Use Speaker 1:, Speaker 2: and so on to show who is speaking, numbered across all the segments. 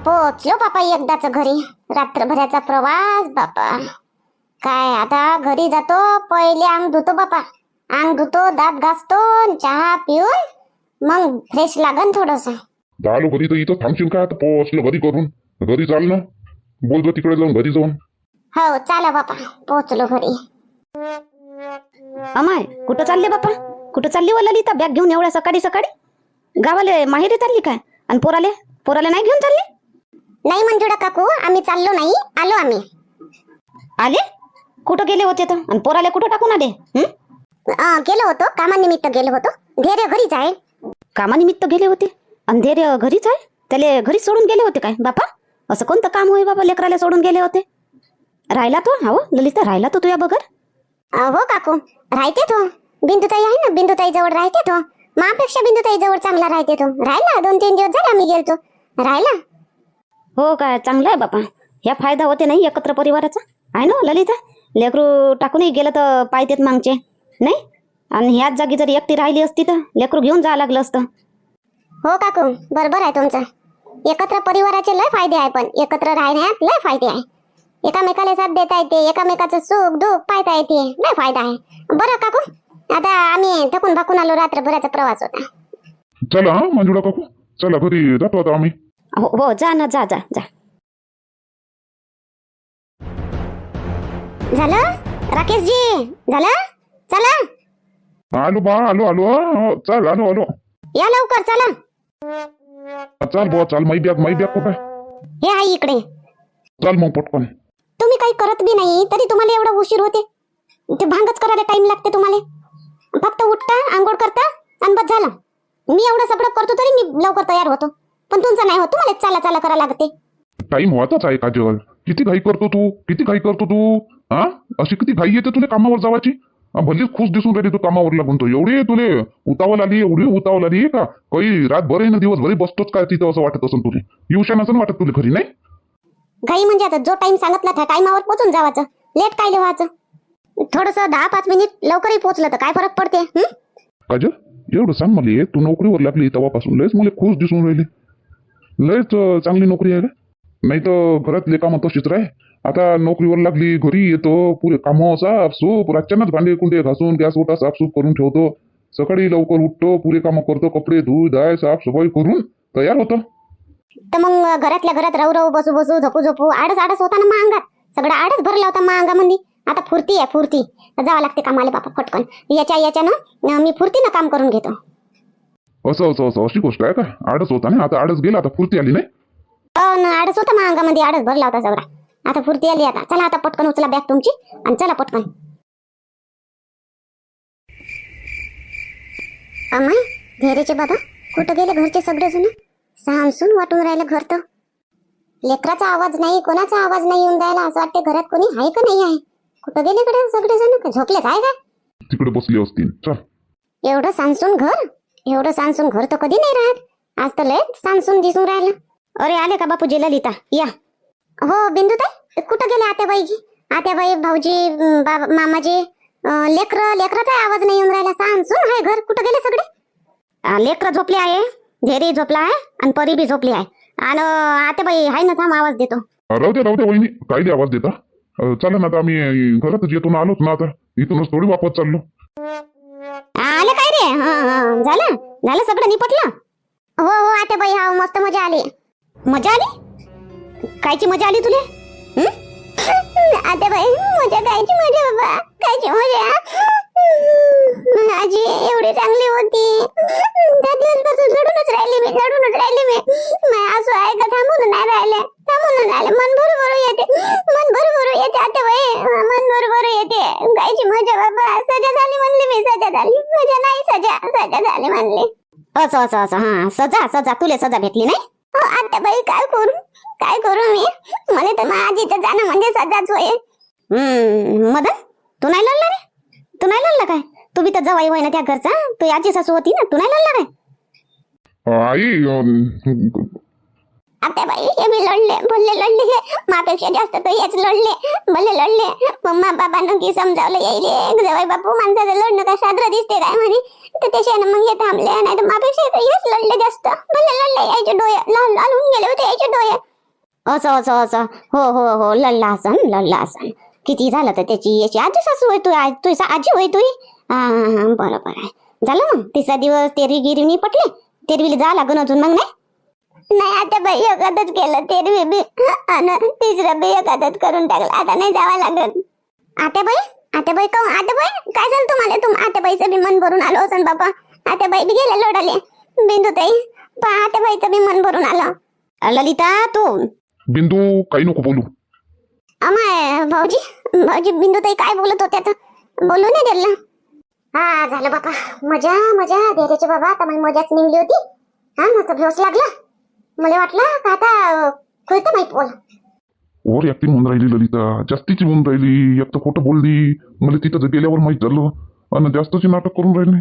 Speaker 1: पोहोचलो बापा एकदाच घरी. रात्रभराचा प्रवास बापा. काय आता घरी जातो, पहिले अंग धुतो बापा. अंग धुतो, दात घासतो, चहा पिऊन मग फ्रेश लागन थोडस.
Speaker 2: झालो घरी तर इथं थांबशील का? आता पोहोचलो घरी करून. घरी चाल ना, बोलतो तिकडे जाऊन घरी जाऊन.
Speaker 1: हो चला बापा, पोहोचलो घरी.
Speaker 3: अमाय कुठं चालले बापा? कुठं चालली व ललिता बॅग घेऊन एवढ्या सकाळी सकाळी? गावाले माहेरी चालली काय? आणि पोराले नाही घेऊन चालली?
Speaker 1: नाही मंजुळा काकू, आम्ही चाललो नाही, आलो आम्ही.
Speaker 3: आले? कुठं गेले होते तर? आणि पोराले कुठं टाकून आले?
Speaker 1: गेलो होतो, कामानिमित्त गेलो होतो. धैर्य घरीच आहे.
Speaker 3: कामानिमित्त गेले होते? आणि धैर्य घरीच आहे? त्याले घरी सोडून गेले होते काय बापा? असं कोणतं काम होय बाबा लेकराला सोडून गेले होते? राहिला तो? हो ललिता, राहिला तो तुझ्या बगर?
Speaker 1: हो काकू, राहते तो. बिंदुताई आहे ना, बिंदुताई जवळ राहते तो. मापेक्षा बिंदुताई जवळ चांगला राहते तो. राहिला, 2-3 दिवस झाले आम्ही गेलतो, राहिला.
Speaker 3: हो काय, चांगलं आहे बापा. ह्या फायदा होते नाही एकत्र परिवाराचा, आहे ना ललिता? लेकरू टाकूनही गेलं तर पायतेत मागचे नाही. आणि ह्याच जागी जर एकटी राहिली असती तर लेकरू घेऊन जावं लागलं असतं.
Speaker 1: हो काकू, बरोबर आहे तुमचं. एकत्र परिवाराचे लय फायदे आहे, पण एकत्र राहण्यात लय फायदे आहे. एकामेकाला साथ देता येते, एकामेकाचं सुख दुःख पाहता येते, लय फायदा आहे. बरं काकू, आता आम्ही थकून भाकून आलो, रात्रभराचा प्रवास होता.
Speaker 2: चला हा मंजुळा काकू, चला घरी जातो आता आम्ही.
Speaker 3: हो हो, जा ना, जा जा जा.
Speaker 1: झालं राकेशजी? झालं? चला
Speaker 2: आलो बा, आलो आलो. चल आलो आलो.
Speaker 1: या लवकर, चला.
Speaker 2: चल बुवा चल. माई बॅग कुठे?
Speaker 1: हे आहे इकडे.
Speaker 2: चल मग पटकन.
Speaker 1: तुम्ही काही करत बी नाही तरी तुम्हाला एवढा उशीर होते. ते भांगच करायला टाइम लागते तुम्हाला. फक्त उठता, आंघोळ करता आणि बस झालं. मी एवढं सगळं करतो तरी मी लवकर तयार होतो, पण तुमचं नाही होत. तुम्हाला चाला चाला करा लागते.
Speaker 2: टाइम व्हायचाच आहे काजल. किती घाई करतो तू, किती घाई करतो तू. हा, अशी किती घाई येते तुला कामावर जावाची? भलेच खुश दिसून राहिली तू कामावर लागून. तो एवढी तुले उतावल आली, एवढी उतावल आली का? काही रातभर आहे ना दिवसभर बसतोच काय तिथं असं वाटत असेल तुला? येऊशा नसेल वाटत तुला घरी? नाही
Speaker 1: घाई म्हणजे आता जो टाइम सांगितला त्या टाइमावर पोहोचून जावाचं. लेट काय लिहायचं? थोडस 10-5 मिनिट लवकरही पोहोचलं तर काय फरक पडते?
Speaker 2: काजल एवढं सांग मला, तू नोकरीवर लागली तेव्हापासून लयच मला खुश दिसून राहिली. लयच चांगली नोकरी आहे का? नाही तर घरातले कामं तशीच राह. आता नोकरीवर लागली, घरी येतो, पुरे कामं साफसूप, रातच्यानंच भांडे कुंडे घासून गॅस ओटा साफसूप करून ठेवतो. सकाळी लवकर उठतो, पुरे कामं करतो, कपडे धुई धाय साफसफाई करून तयार होतो.
Speaker 1: तर मग घरातल्या घरात राहू राहू, बसू बसू, झोपू झोपू आडस होता ना मग अंगात. सगळं आडस भरला होता मग अंगामध्ये. आता फुर्ती आहे, फुर्ती. जावं लागते कामाला बापा फटकन. याच्यानं मी फुर्तीनं काम करून घेतो.
Speaker 2: असं अशी गोष्ट आहे का? आडस होता ना, आता आडस गेला, आता फुर्ती आली नाही.
Speaker 1: हो ना, आडस होता मग अंगामध्ये, आडस भरला होता सगळा. आता फुर्ती आली. आता चला, आता पटकन उचला बॅग तुमची आणि चला पटकन. अमाय, धैर्यचे बाबा कुठं गेले घरचे सगळेजण? सामसून वाटून राहिलं घर तर. लेकराचा आवाज नाही, कोणाचा आवाज नाही येऊन राहिला. असं वाटते घरात कोणी आहे का नाही आहे. कुठं गेले कडे सगळेजण? झोपलेच आहे का?
Speaker 2: तिकडे बसली असतील. चल.
Speaker 1: एवढं सांसून घर तर कधी नाही राहत. आज तर लय सांसून दिसून राहिलं. अरे आले का बापूजी, ललिता या. हो बिंदुताई, कुठं गेले आत्याबाईजी? आत्याबाई, भाऊजी, मामाजी, लेकराचा आवाज नाही येऊन राहिला. सांसून आहे घर. कुठं गेले सगळे? लेकर झोपले आहे, धैर्य झोपला आहे आणि परी बी झोपली आहे. आणि आत्याबाई आहे ना, थांब आवाज देतो.
Speaker 2: राहू दे वहिनी, काय आवाज देता? चला ना, आता आम्ही घरातच येतो ना, आलोच ना. आता इथूनच थोडी वापस चाललो.
Speaker 1: आलं काय रे? झालं सगळं निपटलं? हो आत्याबाई, हा मस्त मजा आली. मजा आली? कायची मजा आली तुले? आत्याबाई, मजा कायची मजा बाबा, कायची मजा. आजी एवढी चांगली होती. त्या दिवसपासून लढूनच राहिली मी. असं आहे का? थांबून नाही राहिले. मन भरू येते आत्याबाई, मन भरू येते. कायची मजा बाबा. सजा झाली म्हणली मी. सजा झाली, मजा नाही, सजा झाली म्हणली. असं हा, सजा तुले सजा भेटली नाही? हो आत्याबाई, काय करू मी? मला तर माझीचं जाणं म्हणजे सजाच होय. मदन, तू नाही लढला रे? तू नाही लढला काय? तू बी तर जवाई होय ना त्या घरचा. तू याची सासू होती ना, तू नाही लढला काय?
Speaker 2: आई
Speaker 1: आत्याबाई, हे मी लढले. मापेक्षा जास्त तर हेच लढले. मम्मा बाबांना की समजावलं यायले, जवाई बापू माणसाचं लढणं काय साजरं दिसते काय म्हणे. तर त्याच्यानं मग हे थांबले. नाही तर मापेक्षा हेच लढले जास्त. लढले. यायचे डोळे लाल होऊन गेले होते, यायचे डोळे. असं असं असं हो हो हो लढला असन किती झालं तर त्याची याची आजी सासू होय तू आजी होय तू बरोबर आहे. झालं मग तिसरा दिवस तेरवी गिरवी पटले तेरवीला जा लागून अजून मग नाही आता बाई एखादच केलं तेरवी बी आणि तिसरा बी एखादच करून टाकलं आता नाही जावं लागत. आत्याबाई कहून आत्याबाई काय झालं तुम्हाला आत्याबाईचं बी मन भरून आलं असन बाबा. आत्याबाई बी गेल्या लोडाले बिंदुताई पण आत्याबाईचं बी मन भरून आलं. ललिता तू
Speaker 2: बिंदू काही नको बोलू.
Speaker 1: अमाय भाऊजी बिंदुताई काय बोलत होत्या तर बोलू नाही दिलं. हा झालं बाबा मजा धैर्याचे बाबा आता माझी मजाच निघली होती. हा ना तर भेवच लागला मला वाटलं का आता खुलतं माहित बोल.
Speaker 2: ओव्हर ऍक्टिंग होऊन राहिली ललिता जास्तीची होऊन राहिली. एक तर खोटं बोलली मला तिथं गेल्यावर माहित झालं आणि जास्तची नाटक करून राहिले.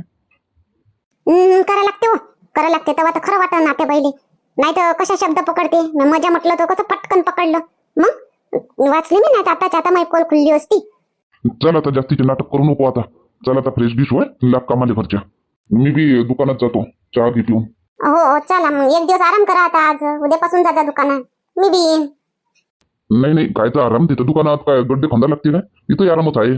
Speaker 1: करा लागते तेव्हा तर खरं वाटत नात्याबाईले नाही तर कशा शब्द पकडते मजा म्हटलं तर कसं पटकन पकडलं मग वाचली मी नाही आता आता माहित पोल खुलली असती.
Speaker 2: चल आता जास्तीचे नाटक करू नको आता. चल आता फ्रेश गिश होय लाग कामाले घरच्या. मी बी दुकानात जातो चहा घे पिऊन.
Speaker 1: हो चला मग एक दिवस आराम करा आता आज उद्यापासून जा दुकानात मी बी येईन.
Speaker 2: नाही काय तर आराम तिथं दुकानात काय गड्डे खांदा लागते काय इथं आरामच आहे.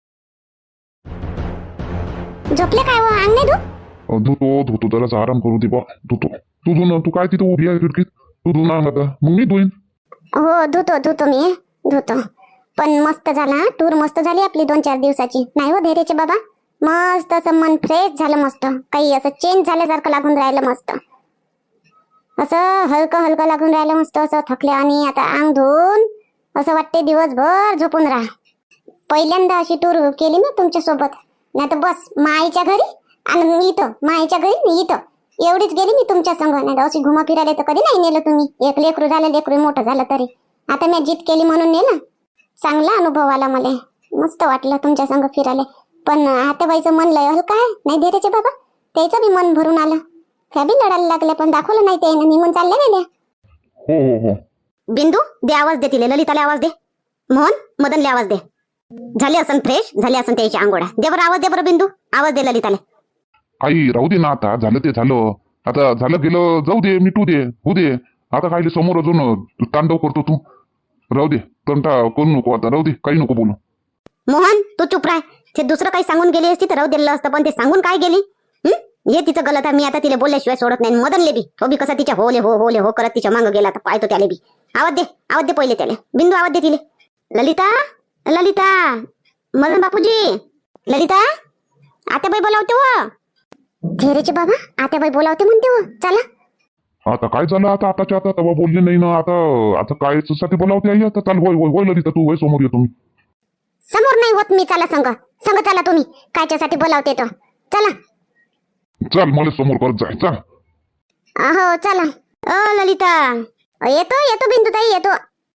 Speaker 1: झोपले काय हो अंग नाही
Speaker 2: धुतो जरासा आराम करू दे बा धुतो. तू काय तिथं उभी आहे खिडकीत तू धुना आता मग मी धुईन.
Speaker 1: हो धुतो मी धुतो. पण मस्त झाला टूर मस्त झाली आपली 2-4 दिवसाची नाही हो धैर्याचे बाबा. मस्त असं मन फ्रेश झालं मस्त काही असं चेंज झाल्यासारखं लागून राहिलं मस्त असं हलकं लागून राहिलं मस्त असं थकले आणि आता अंग धुवून असं वाटते दिवसभर झोपून राहा. पहिल्यांदा अशी टूर केली ना तुमच्या सोबत नाही तर बस माईच्या घरी आणि इथं माईच्या घरी इथं एवढीच गेली मी तुमच्या संग नाही अशी घुमा फिरायला तर कधी नाही नेलं तुम्ही. एक लेकरू झालं लेकरू मोठं झालं तरी आता मी जीत केली म्हणून नेलं. चांगला अनुभव आला मला मस्त वाटलं तुमच्या संग फिरायला. पण आत्याबाईचं मन लय हलकं आहे नाही धैर्याचे बाबा त्याचं बी मन भरून आलं. त्या बी लढायला लागल्या पण दाखवलं नाही ते निघून चालल्या गेल्या.
Speaker 2: हो
Speaker 3: बिंदू दे आवाज दे तिले ललिताला आवाज दे. मोहन मदनले आवाज दे. झाले असन फ्रेश झाले असन त्याची आंघोळ्या दे बरं आवाज दे बरं बिंदू आवाज दे ललिताला.
Speaker 2: आई राहू दे ना आता झालं ते झालं आता झालं गेलं जाऊ दे मिटू दे होऊ दे. आता काय समोर अजून तांडव करतो तू. राहू दे तंटा करू नको आता राहू दे काही नको बोलू.
Speaker 3: मोहन तू चुप राह. ते दुसरं काही सांगून गेली असती तर राहू दिलं असतं पण ते सांगून काय गेली. हे तिचं गलत आहे. मी आता तिला बोलल्याशिवाय सोडत नाही. मदनले बी तो बी कसा तिच्या होले हो करत तिच्या मागं गेला तर पाहतो त्याला बी. आवाज दे पहिले त्याला बिंदू आवाज दे तिले. ललिता मदन बापूजी ललिता आत्याबाई बोलावते हो.
Speaker 1: धैर्याचे बाबा आत्याबाई बोलावते म्हणते हो चला.
Speaker 2: आता काय झालं आताच्या आता तेव्हा बोलले नाही ना आता काय साठी बोलावते आई आता. चाल होय ललिता तू वय समोर येतो मी.
Speaker 1: समोर नाही होत मी चला संग चला तुम्ही कायच्यासाठी बोलावते तो चला.
Speaker 2: चल मला समोर करत जाय चल.
Speaker 1: हो चला ललिता येतो बिंदुताई येतो.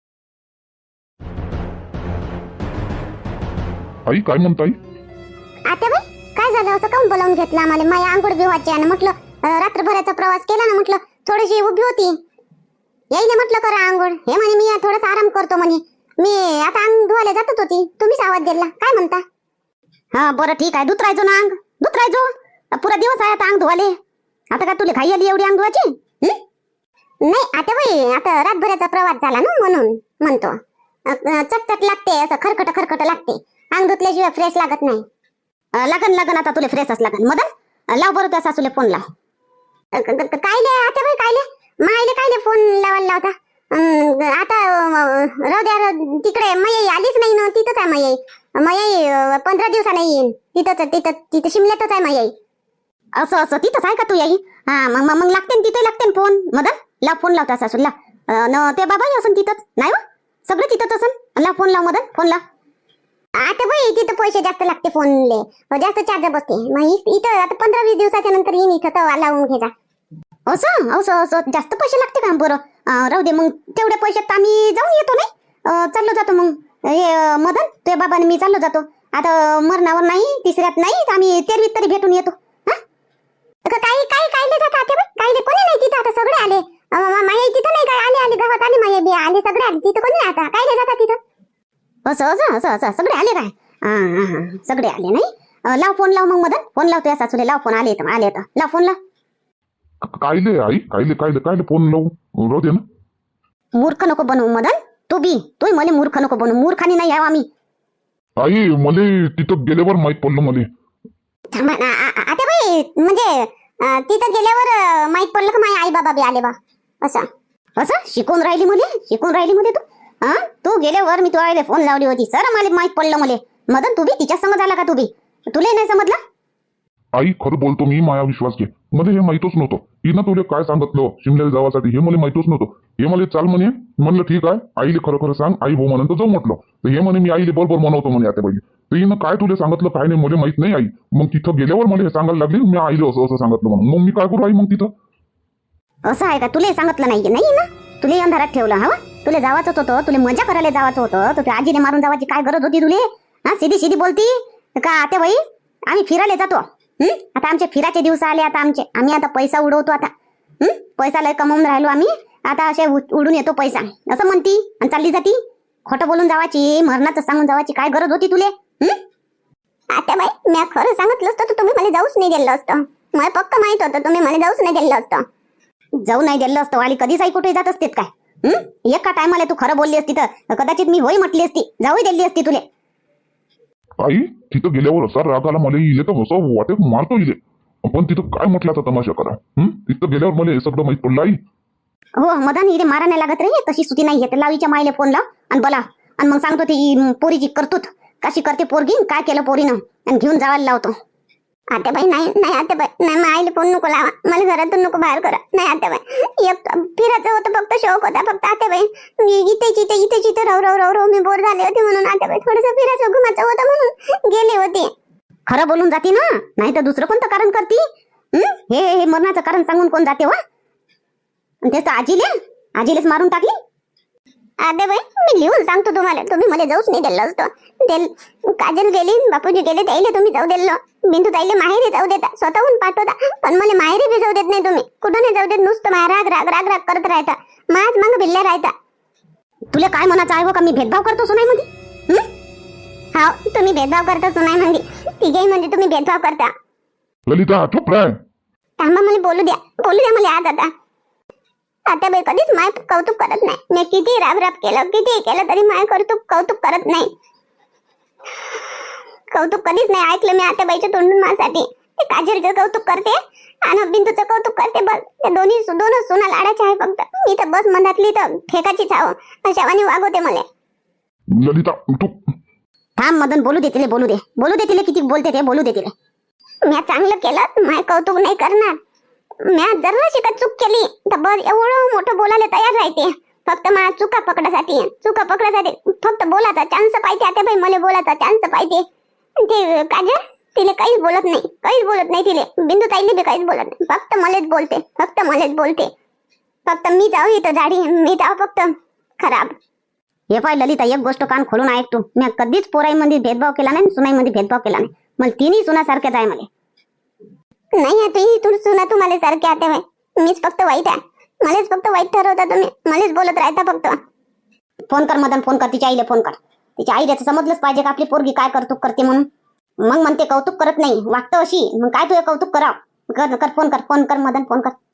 Speaker 2: आई काय म्हणताय.
Speaker 1: आत्याबाई काय झालं असं काऊन बोलावून घेतलं आम्हाला. माझ्या आंघोळ बिवाची आणि म्हटलं रात्रभराचा प्रवास केला ना म्हटलं थोडीशी उभी होती यायला म्हटलं करा आंघोळ. हे म्हणे मी थोडासा आराम करतो म्हणे. मी आता अंग धुवायला जातच होती तुम्हीच आवाज दिला काय म्हणता.
Speaker 3: हा बरं ठीक आहे धुत राहायचो ना अंग धुत राहायचो पुरा दिवस आहे आता अंग धुवाले. आता काय तुला घाई आली एवढी अंग धुवायची.
Speaker 1: नाही आत्याबाई आता रातभराचा प्रवास झाला ना म्हणून म्हणतो. चटचट लागते असं खरखट लागते अंग धुतल्याशिवाय फ्रेश लागत नाही.
Speaker 3: लागन आता तुला फ्रेशच लागन. मदन लाव बरं त्या सासूले फोन लाव.
Speaker 1: कायले आत्याबाई कायले मायले कायले फोन लावायला लावता. आता राहू द्या तिकडे मयाई आलीच नाही ना. तिथंच आहे मयाई 15 दिवसाला येईन. तिथं शिमल्यातच आहे मयाई.
Speaker 3: असं तिथंच आहे का तू याई. हा मग लागते तिथे लागते फोन. मदन लाव फोन लाव त्या सासूला ते बाबाही असन तिथंच नाही हो सगळं तिथंच असन. लाव फोन लाव मदन फोन लाव.
Speaker 1: आता बाई तिथं पैसे जास्त लागते फोनले जास्त चार्ज बसते. मग इथं आता 15-20 दिवसाच्या नंतर येईन इथं तर लावून घे जा.
Speaker 3: असं जास्त पैसे लागते का. बरं राहू दे मग तेवढ्या पैशात आम्ही जाऊन येतो नाही. चाललो जातो मग हे मदन ते बाबाने मी चाललो जातो. आता मरणावर नाही तिसऱ्यात नाही आम्ही तेरवीत तरी भेटून येतो.
Speaker 1: काही कायले जातात कायले कोणी नाही तिथं आता सगळे आले. माया तिथं नाही काय आले गावात आले माया बी आले सगळे आले तिथं कोणी आता कायले जातात तिथं.
Speaker 3: असं सगळे आले काय. हा सगळे आले नाही. लाव फोन लाव मग मदन फोन लाव तुझ्या सासूले लाव फोन आले तर लाव फोन लाव.
Speaker 2: कायले आई कायले फोन लावू राहू दे ना.
Speaker 3: मूर्ख नको बनवू मदन. तूही मला मूर्ख नको बनवू. मूर्खानी नाही यावं आम्ही.
Speaker 2: आई मले तिथं गेल्यावर माहित पडलं मले.
Speaker 1: थांबा ना आता बाई, म्हणजे तिथं गेल्यावर माहित पडलं का माझे आई बाबा बी आले बा असं.
Speaker 3: असं शिकून राहिली मुले तू. हा, तू गेल्यावर मी तुला फोन लावली होती सर, मला माहित पडलं मले. मदन तू बी तिच्या संग झाला का? तू बी तुला नाही समजलं?
Speaker 2: आई खरं बोलतो मी, माया विश्वास घे. मला हे माहितच नव्हतं. हिनं तुला काय सांगितलं शिमल्याला जावासाठी हे मला माहितच नव्हतं. हे मला चाल म्हणे. म्हणलं ठीक आहे, आईले खरं खरं सांग. आई हो म्हणून तर जाऊ म्हटलं. तर हे म्हणे मी आईले बरोबर म्हणवतो म्हणे आता पहिले. तर हिनं काय तुला सांगितलं काय नाही मला माहित नाही आई. मग तिथं गेल्यावर मला हे सांगायला लागली मी आईले असं असं सांगितलं म्हणून. मग मी काय करू आई मग तिथं?
Speaker 3: असं आहे का? तुला सांगितलं नाही ना? तुला अंधारात ठेवलं. हवा तुला जावाच होतं, तुला मजा करायला जावाचं होतं, तर आजीने मारून जावाची काय गरज होती तुले? हा, सीधी बोलती का आता बाई आम्ही फिरायला जातो. आता आमचे फिराचे दिवस आले. आता आम्ही आता पैसा उडवतो. आता पैसा लय कमवून राहिलो आम्ही. आता असे उडून येतो पैसा असं म्हणती आणि चालली जाती. खोटं बोलून जावाची, मरणाचं सांगून जावाची काय गरज होती तुले?
Speaker 1: आता बाई, मी खरं सांगितलं असतं तर तुम्ही मला जाऊच नाही दिलं असतं. मला पक्क माहित होतं तुम्ही मला जाऊच नाही दिलं असतं.
Speaker 3: जाऊ नाही दिलं असतं वाली कधीच आई कुठे जात असते काय? एका टायमाला तू खरं बोलली असती तर कदाचित मी होई म्हटली असती, जाऊही दिली असती तुले.
Speaker 2: आई तिथं गेल्यावर असा राग आला मला. इले तर असं वाटे मारतो इले. पण तिथं काय म्हटलं आता तमाशा करा. तिथं गेल्यावर मला हे सगळं माहित पडलं आई.
Speaker 3: हो मदन, हिरे मारा नाही लागत रे. तशी सुती नाही येत. लावीच्या माईले फोन लाव आणि बोला आणि मग सांगतो ती पोरीची करतूत कशी करते पोरगी, काय केलं पोरीनं, आणि घेऊन जावायला लावतो.
Speaker 1: आता बाई नाही आता बाई नाही, मग आईला फोन नको लावा. मला घरातून नको बाहेर करा. नाही आता बाई, एक फिरायचं होतं फक्त, शौक होता फक्त. आता बाई इथे राहू मी बोर झाले होते म्हणून आता बाई थोडंसं फिरायचं घुमाचं होतं म्हणून गेले होते.
Speaker 3: खरं बोलून जाती ना, नाही तर दुसरं कोणतं कारण करती? हे मरणाचं कारण सांगून कोण जाते वा? तेच तर आजीलेच मारून टाकली.
Speaker 1: आता बाई मी लिहून सांगतो तुम्हाला, तुम्ही मला जाऊच नाही दिलं असतं. काजल गेली, बापूजी गेले, त्याईले तुम्ही जाऊ दिलं. बिंदू ताईले माहेरी जाऊ देता, स्वतःहून पाठवता, पण मला माहेरी बी जाऊ देत नाही तुम्ही. कुठं नाही जाऊ देत, नुसतं राग करत राहता. माझ मग भिल्ल्या राहता.
Speaker 3: तुला काय म्हणायचं आहे हो का? मी भेदभाव करतो सुनाईमध्ये?
Speaker 1: हा, तुम्ही भेदभाव करता सुनाईमध्ये. तिघेही म्हणजे तुम्ही भेदभाव करता.
Speaker 2: ललिता चुप राह.
Speaker 1: थांबा, मला बोलू द्या मला आज. आता बाई कधीच माय कौतुक करत नाही. मी किती राब केलं, किती केलं तरी माय कौतुक करत नाही. कौतुक कधीच नाही ऐकलं मी आता बाईच्या तोंडून माझ्यासाठी. ते काजलचं कौतुक करते आणि बिंदूचं कौतुक करते, बस. ते दोनच सुना लाडाचे आहे फक्त. मी तर बस मनातली तर ठेकाचीच आहो, अशावानी वागवते मला.
Speaker 2: ललिता तू
Speaker 3: थांब मदन, बोलू दे तिले किती बोलते ते, बोलू दे तिले.
Speaker 1: मी चांगलं केलं, माय कौतुक नाही करणार. मी जरा शिकत चूक केली तर बस एवढं मोठं बोलायला तयार राहते. फक्त मला चुका पकडासाठी फक्त बोलायचा चान्स पाहिजे. आता बाई मला बोलायचा चान्स पाहिजे. ते काजल तिले काहीच बोलत नाही तिले. बिंदू ताईले बी काहीच बोलत नाही. फक्त मलाच बोलते. फक्त मी जाऊ इथं झाडी, मी जाऊ फक्त खराब.
Speaker 3: हे पाय ललिता, एक गोष्ट कान खोलून ऐक तू. मी कधीच पोराईमध्ये भेदभाव केला नाही, सुनाईमध्ये भेदभाव केला नाही. मला तिन्ही सुनासारख्याच आहे. मला
Speaker 1: नाही तू सुना तुम्हाला सारखे आता बाई. मीच फक्त वाईट आहे. मलाच फक्त वाईट ठरवता तुम्ही. मलाच बोलत राहता फक्त.
Speaker 3: फोन कर मदन, फोन कर तिच्या आईले, फोन कर. तिच्या आईला समजलंच पाहिजे का आपली पोरगी काय कौतुक करते म्हणून. मग म्हणते कौतुक करत नाही, वागतं अशी. मग काय तुझे कौतुक करावं? कर फोन कर मदन, फोन कर.